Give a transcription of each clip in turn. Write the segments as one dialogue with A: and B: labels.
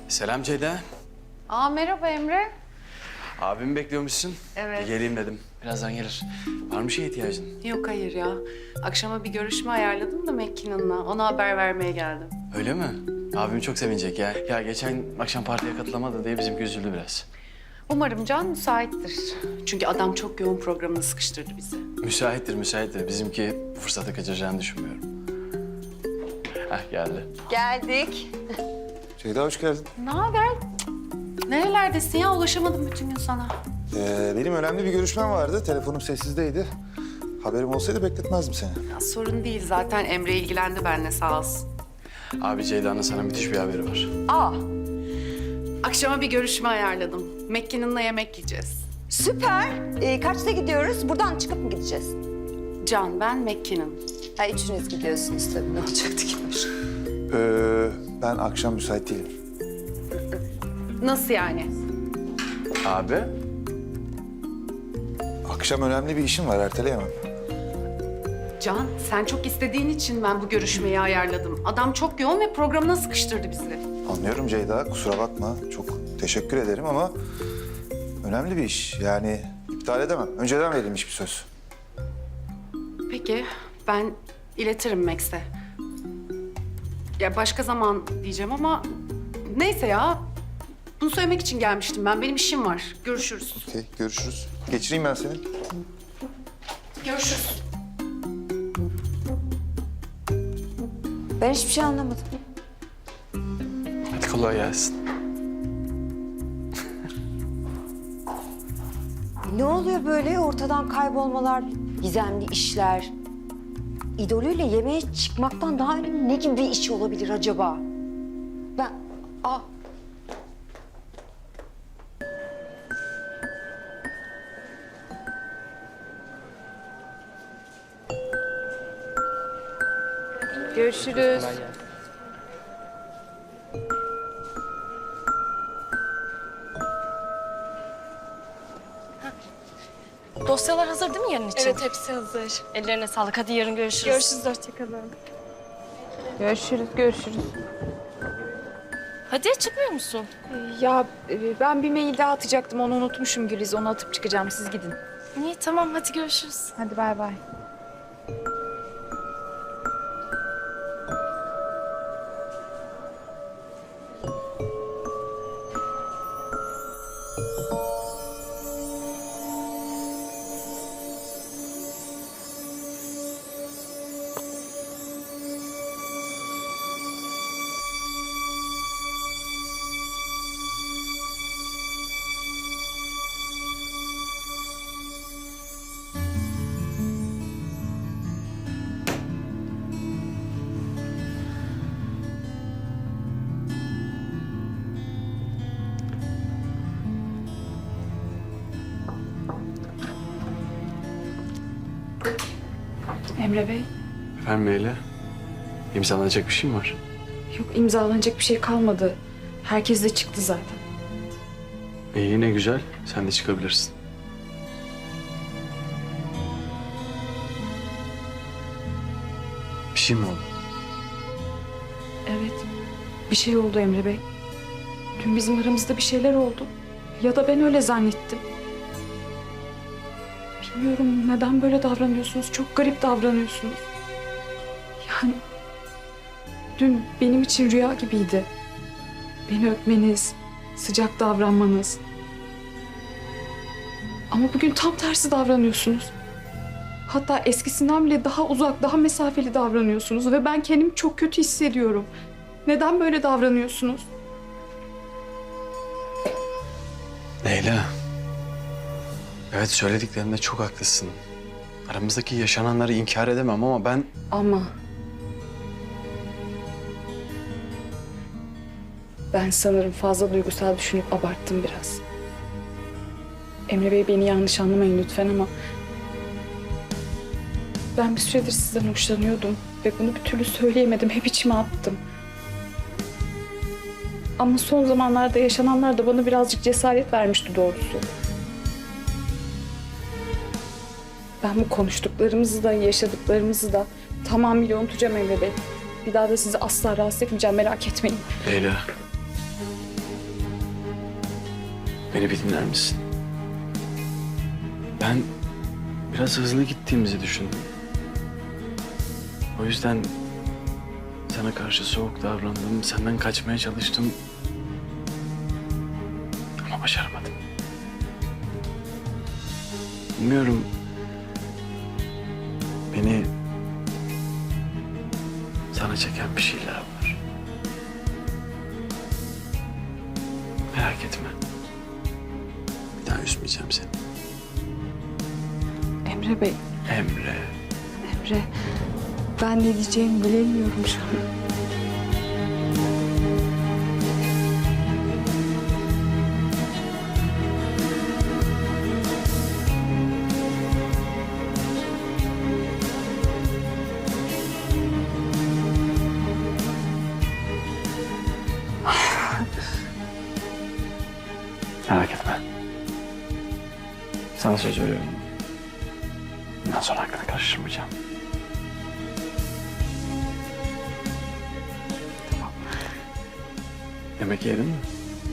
A: Selam Ceyda.
B: Merhaba Emre.
A: Abimi bekliyormuşsun.
B: Evet.
A: Bir geleyim dedim. Birazdan gelir. Var mı şeye ihtiyacın?
B: Yok hayır ya. Akşama bir görüşme ayarladım da McKinnon'la. Ona haber vermeye geldim.
A: Öyle mi? Abim çok sevinecek ya. Ya geçen akşam partiye katılamadı diye bizimki üzüldü biraz.
B: Umarım Can müsaittir. Çünkü adam çok yoğun programını sıkıştırdı bizi.
A: Müsaittir. Bizimki bu fırsatı kaçıracağını düşünmüyorum. Geldi.
B: Geldik.
C: Ceyda hoş geldin.
B: Ne haber? Nerelerdesin ya? Ulaşamadım bütün gün sana.
C: Benim önemli bir görüşmem vardı. Telefonum sessizdeydi. Haberim olsaydı bekletmezdim seni.
B: Ya, sorun değil. Zaten Emre ilgilendi benimle sağ olsun.
A: Abi Ceyda'nın sana müthiş bir haberi var.
B: Akşama bir görüşme ayarladım. McKinnon'la yemek yiyeceğiz.
D: Süper. Kaçta gidiyoruz? Buradan çıkıp mı gideceğiz?
B: Can, ben, McKinnon.
D: Ha, üçünüz gidiyorsunuz tabii. Ne olacaktı ki başka?
C: Ben akşam müsait değilim.
B: Nasıl yani?
A: Abi?
C: Akşam önemli bir işim var, erteleyemem.
B: Can, sen çok istediğin için ben bu görüşmeyi ayarladım. Adam çok yoğun ve programına sıkıştırdı bizi.
C: Anlıyorum Ceyda, kusura bakma. Çok teşekkür ederim ama önemli bir iş. Yani iptal edemem. Önceden verilmiş bir söz.
B: Peki, ben iletirim Max'e. Ya başka zaman diyeceğim ama neyse ya. Bunu söylemek için gelmiştim ben. Benim işim var. Görüşürüz.
C: Okey, görüşürüz. Geçireyim ben seni.
B: Görüşürüz.
D: Ben hiçbir şey anlamadım.
A: Hadi kolay gelsin.
D: Ne oluyor böyle? Ortadan kaybolmalar, gizemli işler. İdolüyle yemeğe çıkmaktan daha önemli ne gibi bir iş olabilir acaba? Ben...
B: Görüşürüz.
E: Dosyalar hazır değil mi yarın için?
F: Evet, hepsi hazır.
E: Ellerine sağlık. Hadi yarın görüşürüz.
F: Görüşürüz, hoşça kalın.
G: Görüşürüz.
E: Hadi çıkmıyor musun?
G: Ben bir mail daha atacaktım. Onu unutmuşum Güliz. Onu atıp çıkacağım. Siz gidin.
E: İyi tamam hadi görüşürüz.
G: Hadi bay bay. Emre Bey,
A: Efendim Leyla? İmzalanacak bir şey mi var?
G: yok imzalanacak bir şey kalmadı. Herkes de çıktı zaten.
A: İyi ne güzel. Sen de çıkabilirsin. Bir şey mi oldu?
G: Evet, bir şey oldu Emre Bey. Dün bizim aramızda bir şeyler oldu. Ya da ben öyle zannettim. Bilmiyorum neden böyle davranıyorsunuz. Çok garip davranıyorsunuz. Yani dün benim için rüya gibiydi. Beni öpmeniz, sıcak davranmanız. Ama bugün tam tersi davranıyorsunuz. Hatta eskisinden bile daha uzak, daha mesafeli davranıyorsunuz ve ben kendimi çok kötü hissediyorum. Neden böyle davranıyorsunuz?
A: Leyla. Evet söylediklerinde çok haklısın. Aramızdaki yaşananları inkar edemem ama ben...
G: Ama ben sanırım fazla duygusal düşünüp abarttım biraz. Emre Bey beni yanlış anlamayın lütfen ama ben bir süredir sizden hoşlanıyordum ve bunu bir türlü söyleyemedim. Hep içime attım. Ama son zamanlarda yaşananlar da bana birazcık cesaret vermişti doğrusu. Ben bu konuştuklarımızı da, yaşadıklarımızı da tamamıyla unutacağım Emre Bey. Bir daha da sizi asla rahatsız etmeyeceğim, merak etmeyin.
A: Leyla. Beni bir dinler misin? Ben biraz hızlı gittiğimizi düşündüm. O yüzden sana karşı soğuk davrandım, senden kaçmaya çalıştım. Ama başaramadım. Bilmiyorum. Beni sana çeken bir şeyler var. Merak etme. Bir daha üzmeyeceğim seni.
G: Emre Bey,
A: Emre.
G: Emre. Ben ne diyeceğimi bilemiyorum şu an.
A: Merak etme. Sana söz veriyorum. Bundan sonra aklını karıştırmayacağım. Tamam. Yemek yedin mi?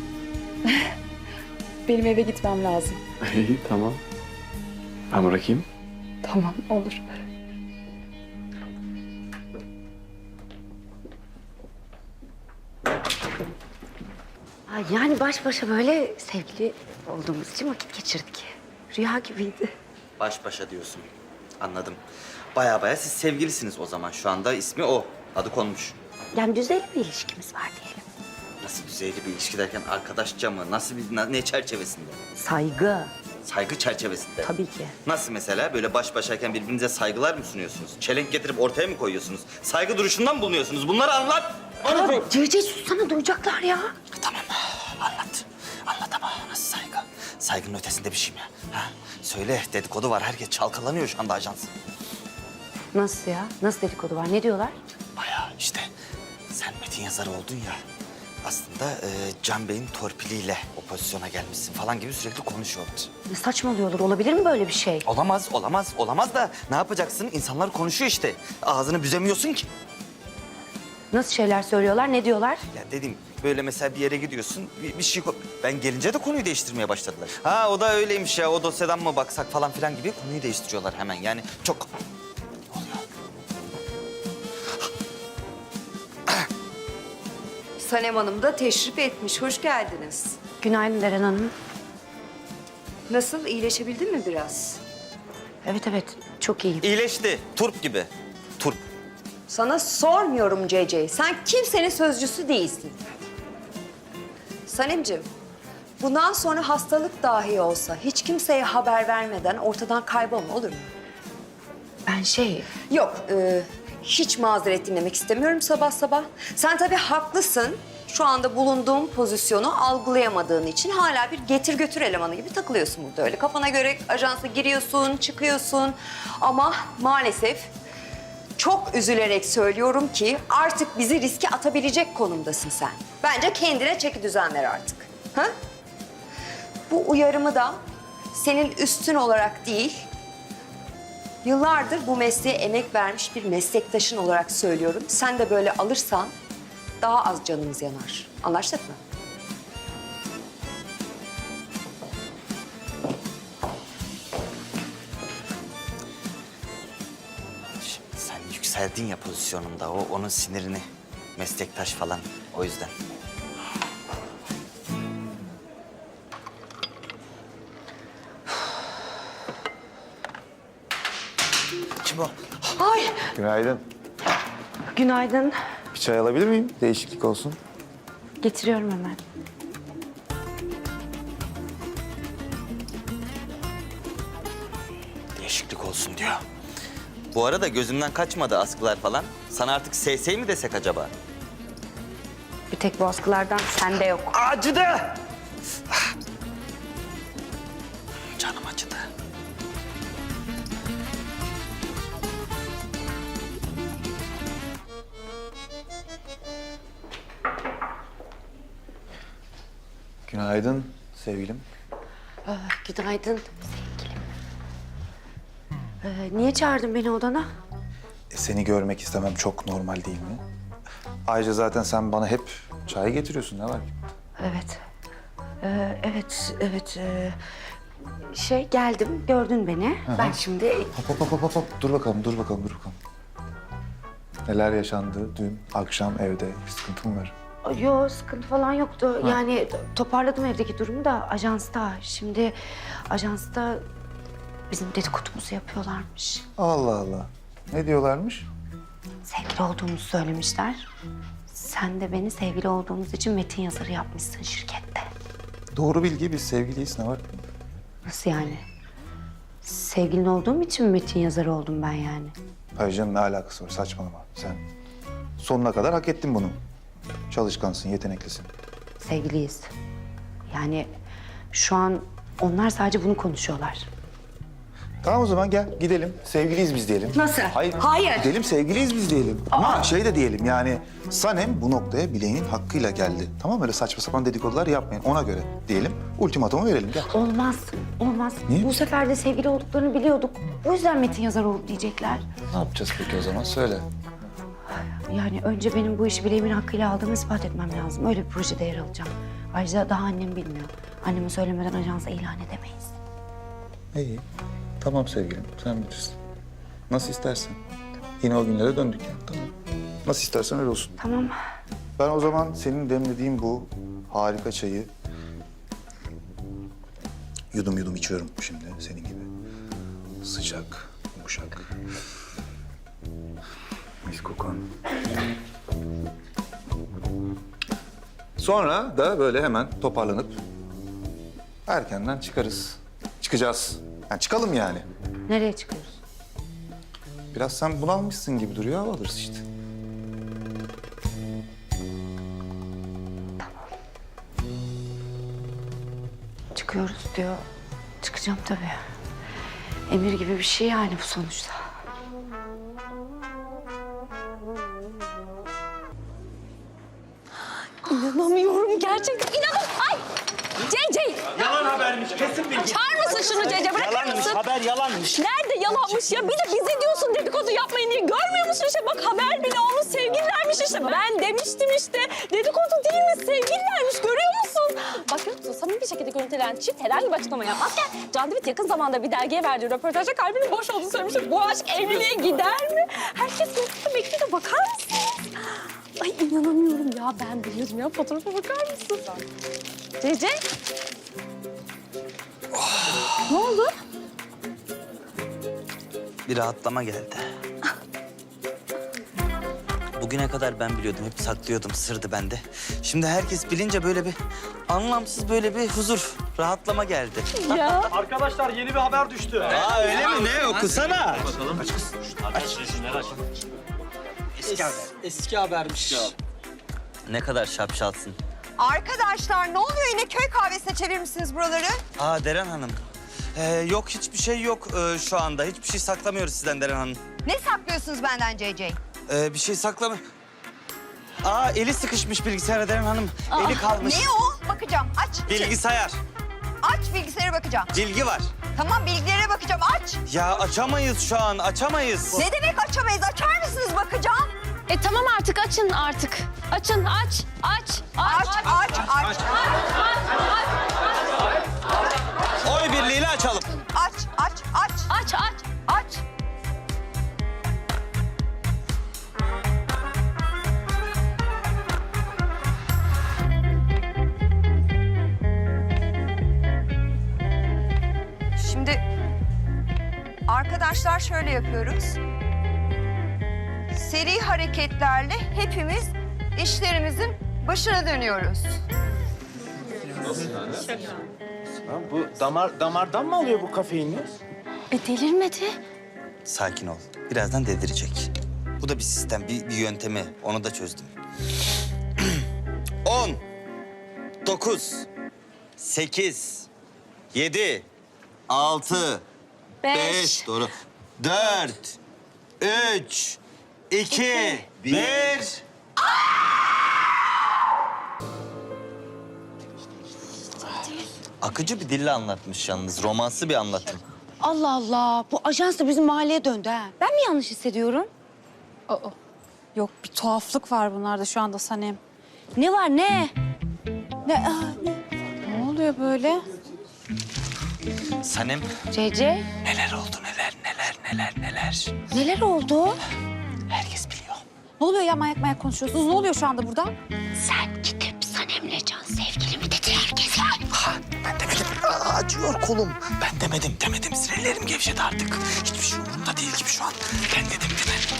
G: Benim eve gitmem lazım.
A: İyi, tamam. Ben bırakayım.
G: Tamam, olur.
D: Ay, yani baş başa böyle sevgili olduğumuz için vakit geçirdik. Rüya gibiydi.
F: Baş başa diyorsun. Anladım. Baya siz sevgilisiniz o zaman. Şu anda ismi o. Adı konmuş.
D: Yani düzeyli bir ilişkimiz var diyelim.
F: Nasıl düzeyli bir ilişki derken arkadaşça mı? Nasıl bir ne çerçevesinde?
D: Saygı
F: Saygı çerçevesinde.
D: tabii ki.
F: Nasıl mesela? Böyle baş başayken birbirinize saygılar mı sunuyorsunuz? Çelenk getirip ortaya mı koyuyorsunuz? Saygı duruşundan mı bulunuyorsunuz? Bunları anlat.
D: Cece sussana, duyacaklar ya.
F: Tamam. Anlat. Anlat ama nasıl saygı? Saygının ötesinde bir şey mi? Ha? Söyle. Dedikodu var. Herkes çalkalanıyor şu anda ajans.
D: Nasıl ya? Nasıl dedikodu var? Ne diyorlar?
F: Bayağı işte sen metin yazarı oldun ya. Aslında Can Bey'in torpiliyle o pozisyona gelmişsin falan gibi sürekli konuşuyorlar.
D: Ne saçmalıyorlar? Olabilir mi böyle bir şey?
F: Olamaz da ne yapacaksın? İnsanlar konuşuyor işte. Ağzını büzemiyorsun ki.
D: Nasıl şeyler söylüyorlar? Ne diyorlar?
F: Ya dedim böyle mesela bir yere gidiyorsun bir şey... Ben gelince de konuyu değiştirmeye başladılar. Ha o da öyleymiş ya o dosyadan mı baksak falan filan gibi konuyu değiştiriyorlar hemen. Yani çok... Ne oluyor?
H: Sanem Hanım da teşrif etmiş. Hoş geldiniz.
D: Günaydın Deren Hanım.
H: Nasıl? İyileşebildin mi biraz?
D: Evet, çok iyiyim.
F: İyileşti. Turp gibi. Turp.
H: Sana sormuyorum CC. Sen kimsenin sözcüsü değilsin. Sanemciğim, bundan sonra hastalık dahi olsa hiç kimseye haber vermeden ortadan kaybolma, olur mu?
D: Ben
H: Yok, hiç mazeret dinlemek istemiyorum sabah sabah. Sen tabii haklısın. Şu anda bulunduğum pozisyonu algılayamadığın için hala bir getir götür elemanı gibi takılıyorsun burada öyle. Kafana göre ajansa giriyorsun, çıkıyorsun. Ama maalesef çok üzülerek söylüyorum ki artık bizi riske atabilecek konumdasın sen. Bence kendine çeki düzen ver artık. Ha? Bu uyarımı da senin üstün olarak değil, yıllardır bu mesleğe emek vermiş bir meslektaşın olarak söylüyorum. Sen de böyle alırsan daha az canımız yanar. Anlaştık mı?
F: Şimdi sen yükseldin ya pozisyonunda. Onun sinirini. Meslektaş falan. O yüzden. Kim o?
C: Günaydın.
D: Günaydın.
C: Bir çay alabilir miyim? Değişiklik olsun.
D: Getiriyorum hemen.
F: Değişiklik olsun diyor. Bu arada gözümden kaçmadı askılar falan. Sana artık SS mi desek acaba?
D: Bir tek bu askılardan sende yok.
F: Acıdı! Canım acıdı.
C: Günaydın sevgilim.
D: Günaydın sevgilim. Niye çağırdın beni odana?
C: Seni görmek istemem çok normal değil mi? Ayrıca zaten sen bana hep çay getiriyorsun. Ne var ki?
D: Evet. Evet. Geldim, gördün beni. Ben şimdi...
C: Hop. Dur bakalım. Neler yaşandı dün akşam evde? Bir sıkıntı mı var?
D: Yok, sıkıntı falan yoktu. Yani toparladım evdeki durumu da ajansta. Şimdi ajansta bizim dedikodumuzu yapıyorlarmış.
C: Allah Allah. Ne diyorlarmış?
D: Sevgili olduğumuzu söylemişler. Sen de beni sevgili olduğumuz için metin yazarı yapmışsın şirkette.
C: Doğru bilgi, biz sevgiliyiz, ne var?
D: Nasıl yani? Sevgilin olduğum için mi metin yazarı oldum ben yani?
C: Hayır canım, ne alakası var? Saçmalama. Sen sonuna kadar hak ettin bunu. Çalışkansın, yeteneklisin.
D: Sevgiliyiz. Yani şu an onlar sadece bunu konuşuyorlar.
C: Tamam o zaman gel gidelim. Sevgiliyiz biz diyelim.
D: Nasıl?
C: Hayır.
D: Hayır.
C: Gidelim sevgiliyiz biz diyelim. Ama şey de diyelim yani Sanem bu noktaya bileğinin hakkıyla geldi. Tamam mı? Öyle saçma sapan dedikodular yapmayın. Ona göre diyelim. Ultimatomu verelim. Gel.
D: Olmaz.
C: Niye?
D: Bu sefer de sevgili olduklarını biliyorduk. O yüzden metin yazarı oldu diyecekler.
C: Ne yapacağız peki o zaman? Söyle.
D: Yani önce benim bu işi bileğimin hakkıyla aldığımı ispat etmem lazım. Öyle bir projede yer alacağım. Ayrıca daha annem bilmiyor. Anneme söylemeden ajansa ilan edemeyiz.
C: İyi. Tamam sevgilim. Sen bilirsin. Nasıl istersen. Yine o günlere döndük ya. Tamam. Nasıl istersen öyle olsun.
D: Tamam.
C: Ben o zaman senin demlediğin bu harika çayı yudum içiyorum şimdi senin gibi. Sıcak, yumuşak. Mis kokan. Sonra da böyle hemen toparlanıp erkenden çıkacağız. Yani çıkalım yani.
D: Nereye çıkıyoruz?
C: Biraz sen bunalmışsın gibi duruyor, hava alırız işte.
D: Çıkıyoruz diyor. Çıkacağım tabii. Emir gibi bir şey yani bu sonuçta.
E: İnanamıyorum gerçekten. Ay! CC!
I: Yalan habermiş, kesin bilgi.
E: Açar mısın şunu CC? Bırakır
I: Yalanmış,
E: mısın?
I: haber yalanmış.
E: Nerede yalanmış ya? Bir de bize diyorsun dedikodu yapmayın diye. Görmüyor musun işte? Bak haber bile olmuş, sevgililermiş işte. Ben demiştim işte. Dedikodu değil mi? Sevgililermiş. Görüyor musun? Bak görüyor musun? Samimi bir şekilde görüntülenen çift herhangi bir açıklama yapmazken Can David yakın zamanda bir dergiye verdiği röportajda kalbinin boş olduğunu söylemişti. Bu aşk evliliğe gider mi? Herkes merakla bekliyor. Bakar mısınız? Ay inanamıyorum ya. Ben biliyordum ya. Fotoğrafa bakar mısın? CC? Ne oldu?
F: Bir rahatlama geldi. Bugüne kadar ben biliyordum, hep saklıyordum, sırdı bende. Şimdi herkes bilince böyle bir anlamsız böyle bir huzur, rahatlama geldi.
E: Ya.
I: Arkadaşlar yeni bir haber düştü.
F: Aa öyle mi? Ne? Okusana.
I: Eski habermiş.
F: Ne kadar şapşalsın.
H: Arkadaşlar ne oluyor yine köy kahvesine çevirmişsiniz buraları?
F: Aa Deren Hanım. Yok hiçbir şey yok şu anda. Hiçbir şey saklamıyoruz sizden Deren Hanım.
H: Ne saklıyorsunuz benden CC?
F: Bir şey saklama... Aa eli sıkışmış bilgisayara Deren Hanım. Eli kalmış.
H: Ne o? Bakacağım aç.
F: Bilgisayar.
H: Aç bilgisayara bakacağım.
F: Bilgi var.
H: Tamam bilgilere bakacağım aç.
F: Ya açamayız şu an, açamayız.
H: Ne demek açamayız? Açar mısınız bakacağım?
E: Tamam artık açın artık. Açın aç.
H: Aç.
F: Oy birliğiyle açalım.
H: Aç. Şimdi arkadaşlar şöyle yapıyoruz. Seri hareketlerle hepimiz işlerimizin başına dönüyoruz.
I: Bu damardan mı alıyor bu kafeini?
E: Delirmedi.
F: Sakin ol. Birazdan dedirecek. Bu da bir sistem, bir yöntemi. Onu da çözdüm. 10, 9, 8, 7, 6, 5, doğru. 4, 3, 2, 1. Akıcı bir dille anlatmış yalnız. Romansı bir anlatım.
D: Allah Allah. Bu ajans da bizim mahalleye döndü ha. Ben mi yanlış hissediyorum?
J: Yok bir tuhaflık var bunlarda şu anda Sanem.
D: Ne var ne?
J: Ne oluyor böyle?
F: Sanem.
J: CC,
F: Neler oldu neler.
J: neler oldu?
F: Herkes biliyor.
J: Ne oluyor ya manyak konuşuyorsunuz? Ne oluyor şu anda burada?
D: Sen gidip Sanem'le Can sevgili mi dedi herkese?
F: Ha, ben demedim. Acıyor kolum. Ben demedim. Sinirlerim gevşedi artık. Hiçbir şey umurumda değil gibi şu an. Ben dedim demedim.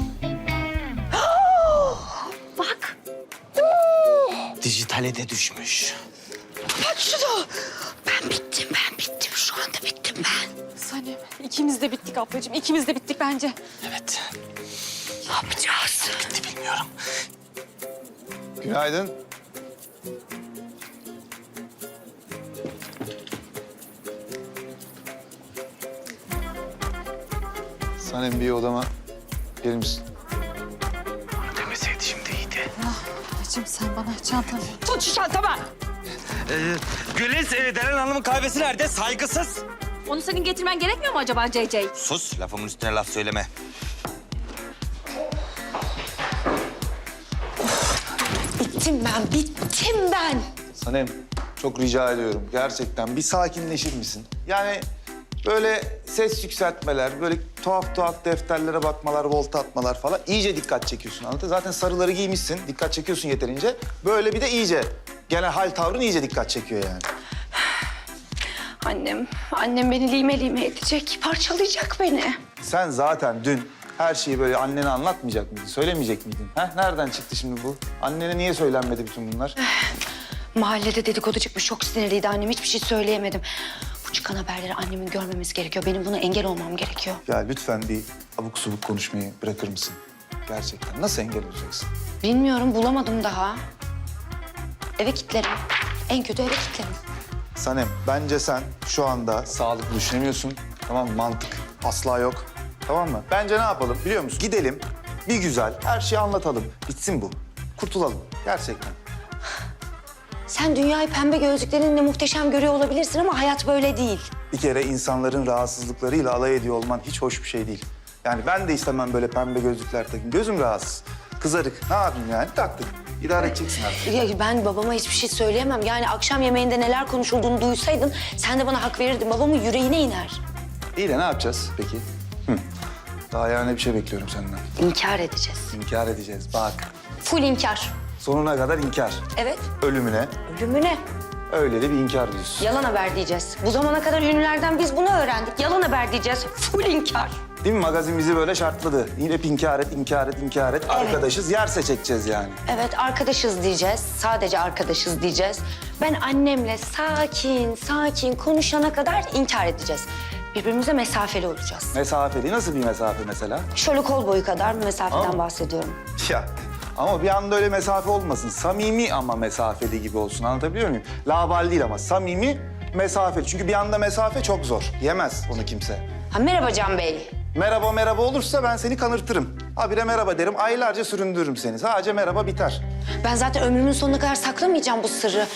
D: Bak.
F: Dijitale de düşmüş.
D: Bak şunu. Ben bittim. Şu anda bittim ben.
J: Sanem, ikimiz de bittik ablacığım. İkimiz de bittik bence.
F: Evet.
D: Ne yapacağız?
F: Bitti bilmiyorum.
C: Günaydın. Sanem bir odama gelir misin?
F: Demeseydi şimdi iyiydi.
J: Ablacığım sen bana çantanı...
E: Tut şu çantamı.
F: Güliz, Deren Hanım'ın kahvesi nerede? Saygısız.
E: Onu senin getirmen gerekmiyor mu acaba CC?
F: Sus, lafımın üstüne laf söyleme.
D: Bittim ben.
C: Sanem çok rica ediyorum gerçekten bir sakinleşir misin? Yani böyle ses yükseltmeler, böyle tuhaf defterlere bakmalar, volta atmalar falan iyice dikkat çekiyorsun anladın? Zaten sarıları giymişsin, dikkat çekiyorsun yeterince. Böyle bir de iyice genel hal tavrın iyice dikkat çekiyor yani.
D: Annem beni lime edecek, parçalayacak beni.
C: Sen zaten dün her şeyi böyle annene anlatmayacak mıydın, söylemeyecek miydin? Nereden çıktı şimdi bu? Annene niye söylenmedi bütün bunlar?
D: Mahallede dedikodu çıkmış, çok sinirliydi annem. Hiçbir şey söyleyemedim. Bu çıkan haberleri annemin görmemesi gerekiyor. Benim buna engel olmam gerekiyor.
C: Ya lütfen bir abuk subuk konuşmayı bırakır mısın? Gerçekten nasıl engel olacaksın?
D: Bilmiyorum, bulamadım daha. Eve kilitlerim. En kötü eve kilitlerim.
C: Sanem, bence sen şu anda sağlıklı düşünemiyorsun. Tamam mı? Mantık asla yok. Tamam mı? Bence ne yapalım biliyor musun? Gidelim, bir güzel her şeyi anlatalım. Bitsin bu. Kurtulalım gerçekten.
D: Sen dünyayı pembe gözlüklerinle muhteşem görüyor olabilirsin ama hayat böyle değil.
C: Bir kere insanların rahatsızlıklarıyla alay ediyor olman hiç hoş bir şey değil. Yani ben de istemem böyle pembe gözlükler takayım. Gözüm rahatsız. Kızarık. Ne yapayım yani? Taktık. İdare edeceksin artık.
D: Ya ben babama hiçbir şey söyleyemem. Yani akşam yemeğinde neler konuşulduğunu duysaydın sen de bana hak verirdin. Babamın yüreğine iner.
C: İyi de ne yapacağız peki? Daha yani bir şey bekliyorum senden.
D: İnkar edeceğiz.
C: İnkar edeceğiz bak.
D: Full inkar.
C: Sonuna kadar inkar.
D: Evet.
C: Ölümüne
D: Ölümüne.
C: öyle de bir inkar diyorsun.
D: Yalan haber diyeceğiz. Bu zamana kadar ünlülerden biz bunu öğrendik. Yalan haber diyeceğiz. Full inkar.
C: Değil mi? Magazin bizi böyle şartladı. Yine hep inkar et. Arkadaşız, yerse çekeceğiz yani.
D: Evet, arkadaşız diyeceğiz. Sadece arkadaşız diyeceğiz. Ben annemle sakin konuşana kadar inkar edeceğiz. Birbirimize mesafeli olacağız.
C: Mesafeli. Nasıl bir mesafe mesela?
D: Şöyle kol boyu kadar bir mesafeden bahsediyorum.
C: Ya ama bir anda öyle mesafe olmasın. Samimi ama mesafeli gibi olsun. Anlatabiliyor muyum? Labal değil ama samimi, mesafeli. Çünkü bir anda mesafe çok zor. Yemez onu kimse.
D: Ha, merhaba Can Bey.
C: Merhaba olursa ben seni kanırtırım. Habire merhaba derim, aylarca süründürürüm seni. Sadece merhaba biter.
D: Ben zaten ömrümün sonuna kadar saklamayacağım bu sırrı.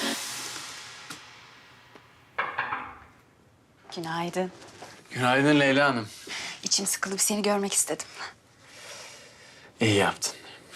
J: Günaydın.
A: Günaydın Leyla Hanım.
J: İçim sıkıldı, bir seni görmek istedim.
A: İyi yaptın.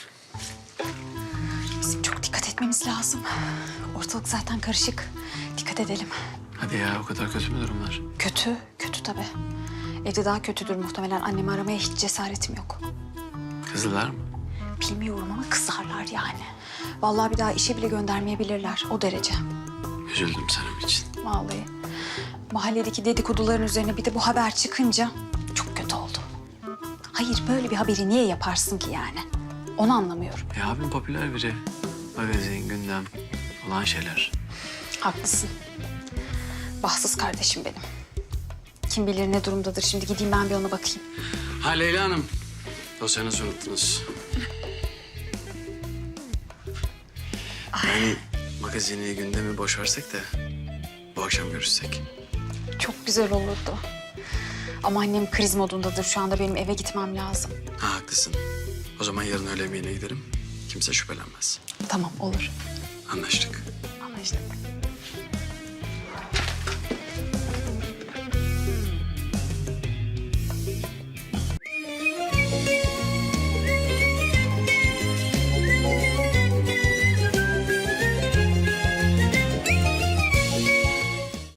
J: Bizim çok dikkat etmemiz lazım. Ortalık zaten karışık. Dikkat edelim.
A: Hadi ya, o kadar kötü mü durumlar?
J: Kötü tabii. Evde daha kötüdür muhtemelen. Annemi aramaya hiç cesaretim yok.
A: Kızdılar mı?
J: Bilmiyorum ama kızarlar yani. Vallahi bir daha işe bile göndermeyebilirler. O derece.
A: Üzüldüm senin için.
J: Vallahi. Mahalledeki dedikoduların üzerine bir de bu haber çıkınca çok kötü oldu. Hayır, böyle bir haberi niye yaparsın ki yani? Onu anlamıyorum.
A: Ya abim popüler biri. Magazin, gündem olan şeyler.
J: Haklısın. Bahtsız kardeşim benim. Kim bilir ne durumdadır. Şimdi gideyim ben bir ona bakayım.
A: Ha Leyla Hanım, dosyanızı unuttunuz. Yani magazini, gündemi boş versek de bu akşam görüşsek.
J: Çok güzel olurdu. Ama annem kriz modundadır. Şu anda benim eve gitmem lazım.
A: Ha haklısın. O zaman yarın öğle yemeğine giderim. Kimse şüphelenmez.
J: Tamam, olur.
A: Anlaştık.
J: Anlaştık.